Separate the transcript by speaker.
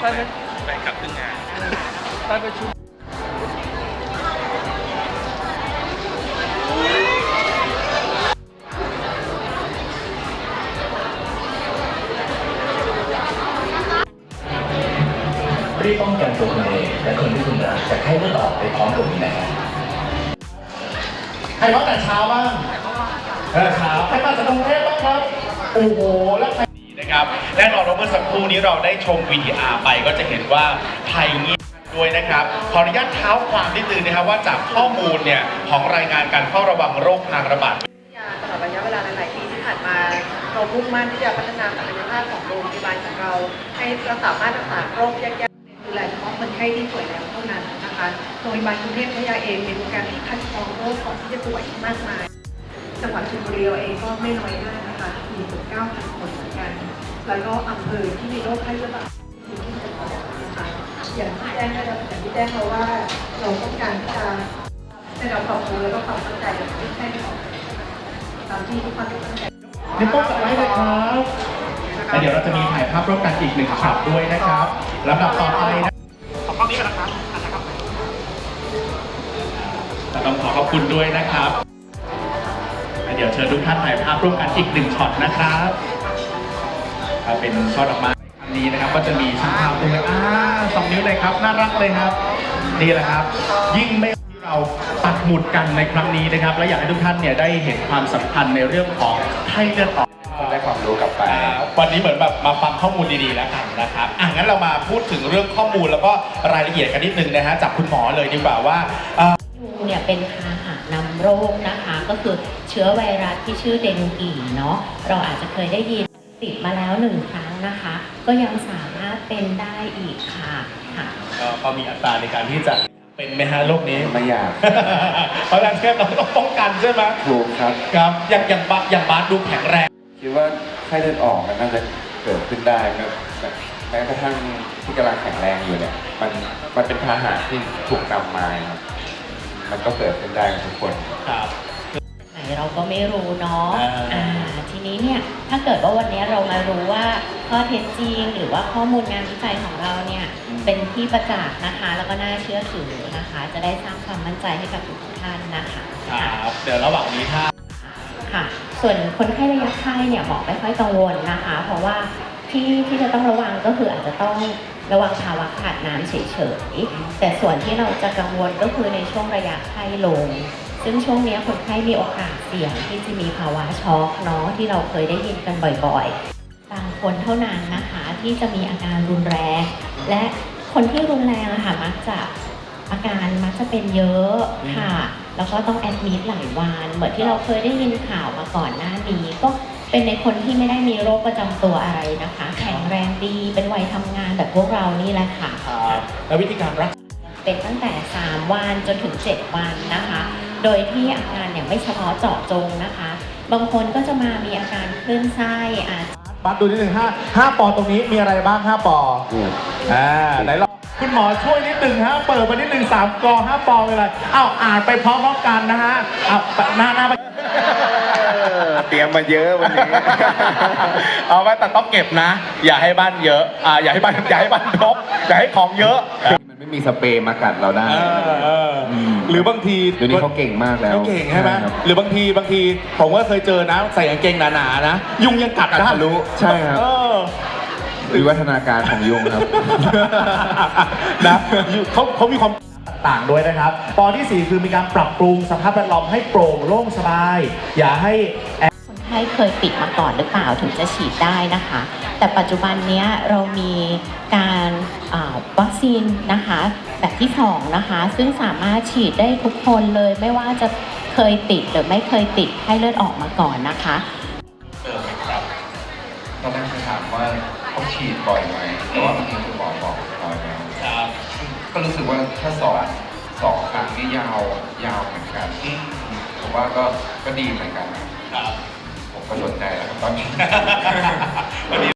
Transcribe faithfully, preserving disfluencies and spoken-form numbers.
Speaker 1: ไปไปกลับครึ่งงานไปประชุม
Speaker 2: รีบป้องกันตัวคุณเองและคนที่คุณรักจากไข้เลือดออกไปพร้อมกับนี้นะครับใครมาแต่เช้าบ้างเออครับใครมาจากกรุงเทพบ้างครับโอ้โหแล้วใครนะครับแน่นอนว่าเมื่อสักครู่นี้เราได้ชม วี ดี อาร์ ไปก็จะเห็นว่าไทยเงียบด้วยนะครับขออนุญาตเท้าความนิดนึงนะครับว่าจากข้อมูลเนี่ยของรายงานการเฝ้าระวังโรคทางระบาด
Speaker 3: ตลอดระยะเวลาหลายๆปีที่ผ่านมาเรามุ่งมั่นที่จะพัฒนาศักยภาพของโรงพยาบาลของเราให้เราสามารถรักษาโรคยากๆดูแลเฉพาะคนไข้ที่ป่วยแล้วเท่านั้นนะคะโรงพยาบาลกรุงเทพพัทยาเองมีโปรแกรมที่คัดกรองโรคก่อนที่จะป่วยมากมายจังหวัดชลบุรีเองก็ไม่น้อยหน้านะคะมีถึง เก้าพัน คนเหมือนกันแล้วก็อำเภอที่มีโรคไข้เลือดออกที่ที่จะต่อนะคะอย่างที่แจ้งได้แล้วอย่างที่แจ้งเราว่าเราต้องการที่จะให้เราปรับปรุงแล้วก็ความเข้าใจกับผู้ไข้ที่ออกตามที่ทุกคนตั้งใจ
Speaker 2: นี่ต้องจัดไว้เลยครับแล้วเดี๋ยวเราจะมีถ่ายภาพร่วมกันอีกหนึ่งช็อตด้วยนะครับลำดับต่อไปนะขอบคุณนี้กันนะครับต้องขอขอบคุณด้วยนะครับเดี๋ยวเชิญทุกท่านถ่ายภาพร่วมกันอีกหนึ่งช็อตนะครับเป็นช่อดอกไม้อันนี้นะครับก็จะมีช่างภาพตรงนี้อ่าสองนิ้วเลยครับน่ารักเลยครับนี่แหละครับยิ่งไม่ที่เราปักหมุดกันในครั้งนี้นะครับและอยากให้ทุกท่านเนี่ยได้เห็นความสำคัญในเรื่องของไข้เลือดออกได้ความรู้กลับไปวันนี้เหมือนแบบมาฟังข้อมูลดีๆแล้วกันนะครับอ่ะงั้นเรามาพูดถึงเรื่องข้อมูลแล้วก็รายละเอียดกันนิดนึงนะฮะจากคุณหมอเลยดีกว่าว่า
Speaker 4: ยุงเนี่ยเป็นพาหะนำโรคนะคะก็คือเชื้อไวรัสที่ชื่อเดงกีเนาะเราอาจจะเคยได้ยินติดมาแล้วหนึ่งครั้งนะคะก็ยังสามารถเป็นได้อีกค่ะค่ะ
Speaker 2: ก็มีอัตราในการที่จะเป็นไหมฮะโรคนี้
Speaker 5: ไม่อยาก
Speaker 2: เพราะฉะนั้นเราต้องป้องกันใช่ไหม
Speaker 5: ถูกครับ
Speaker 2: ครับอย่างอย่างบาอย่างบาสดูแข็งแรง
Speaker 5: คิดว่าไข้เลือดออกมันน่าจะเกิดขึ้นได้แม้กระทั่งที่กำลังแข็งแรงอยู่เนี่ยมันมันเป็นพาหะที่ถูกนำมาครับมันก็เกิดขึ้นได้กับทุกคน
Speaker 2: ครับ
Speaker 4: ไหนเราก็ไม่รู้เนาะอ่าทีนี้เนี่ยถ้าเกิดว่าวันนี้เรามารู้ว่าข้อเท็จจริงหรือว่าข้อมูลงานวิจัยของเราเนี่ยเป็นที่ประจักษ์นะคะแล้วก็น่าเชื่อถือนะคะจะได้สร้างความมั่นใจให้กับทุกท่านนะคะ
Speaker 2: ครับเดี๋ยวระหว่างนี้ถ้า
Speaker 4: ค่ะส่วนคนไข้ระยะไข้เนี่ยหมอไม่ค่อยกังวลนะคะเพราะว่าที่ที่จะต้องระวังก็คืออาจจะต้องระวังภาวะขาดน้ำเฉยๆแต่ส่วนที่เราจะกังวลก็คือในช่วงระยะไข้ลงซึ่งช่วงนี้คนไข้มีโอกาสเสี่ยงที่จะมีภาวะช็อกเนาะที่เราเคยได้ยินกันบ่อยๆบางคนเท่านั้นนะคะที่จะมีอาการรุนแรงและคนที่รุนแรงอะค่ะมักจะอาการมักจะเป็นเยอะค่ะแล้วก็ต้องแอดมิดหลายวันเหมือนที่เราเคยได้ยินข่าวมาก่อนหน้านี้ก็เป็นในคนที่ไม่ได้มีโรคประจำตัวอะไรนะคะแข็งแรงดีเป็นวัยทำงานแบบพวกเรานี่แหละค่ะ
Speaker 2: แล้ววิธีการรักษา
Speaker 4: เป็นตั้งแต่สามวันจนถึงเจ็ดวันนะคะโดยที่อาการเนี่ยไม่เฉพาะเจาะจงนะคะบางคนก็จะมามีอาการคลื่นไส้อาจ
Speaker 2: บัดดูนิดหนึ่งห้าห้าปอตรงนี้มีอะไรบ้างห้าปออ่าไหนลองคุณหมอช่วยนิดหนึ่งฮะเปิดมานิดหนึ่งสามกอห้าปอเป็นอะไรอ้าวอ่านไปพร้อมๆกันนะฮะอ้าวหน้าหน้า
Speaker 5: เตรียมมาเยอะวันนี้
Speaker 2: เอาไว้แต่ต้องเก็บนะอย่าให้บ้านเยอะอ่าอย่าให้บ้านอย่าให้บ้านรกอย่าให้ของเยอะ
Speaker 5: มันไม่มีสเปรย์มากัดเราได้
Speaker 2: หรือบางที
Speaker 5: เดี๋ยวนี้เขาเก่งมากแล้ว
Speaker 2: เขาเก่งใช่ไหมหรือบางทีบางทีผมก็เคยเจอนะใส่กางเกงหนาๆนะยุงยังกัดได้
Speaker 5: รู้ใช่ครับวิวัฒนาการของยุงครับ
Speaker 2: นะเขาเขามีความต่างด้วยนะครับปอที่สี่คือมีการปรับปรุงสภาพแวดล้อมให้โปร่งโล่งสบายอย่าให้
Speaker 4: คนไข้เคยปิดมาก่อนหรือเปล่าถึงจะฉีดได้นะคะแต่ปัจจุบันนี้เรามีการวัคซีนนะคะแบบที่สองนะคะซึ่งสามารถฉีดได้ทุกคนเลยไม่ว่าจะเคยติดหรือไม่เคยติดไข้เลือดออกมาก่อนนะคะ
Speaker 5: เออครับตอนแรกจะถามว่าต้องฉีดบ่อยไหมแต่ว่าเมื่อกี้คุณหมอบอกบ่อยแล้วก็รู้สึกว่าถ้าสองสองครั้งนี่ยาวยาวเหมือนกันผมว่าก็ก็ดีเหมือนกันครับผมก็สนใจแล้วครับตอนนี้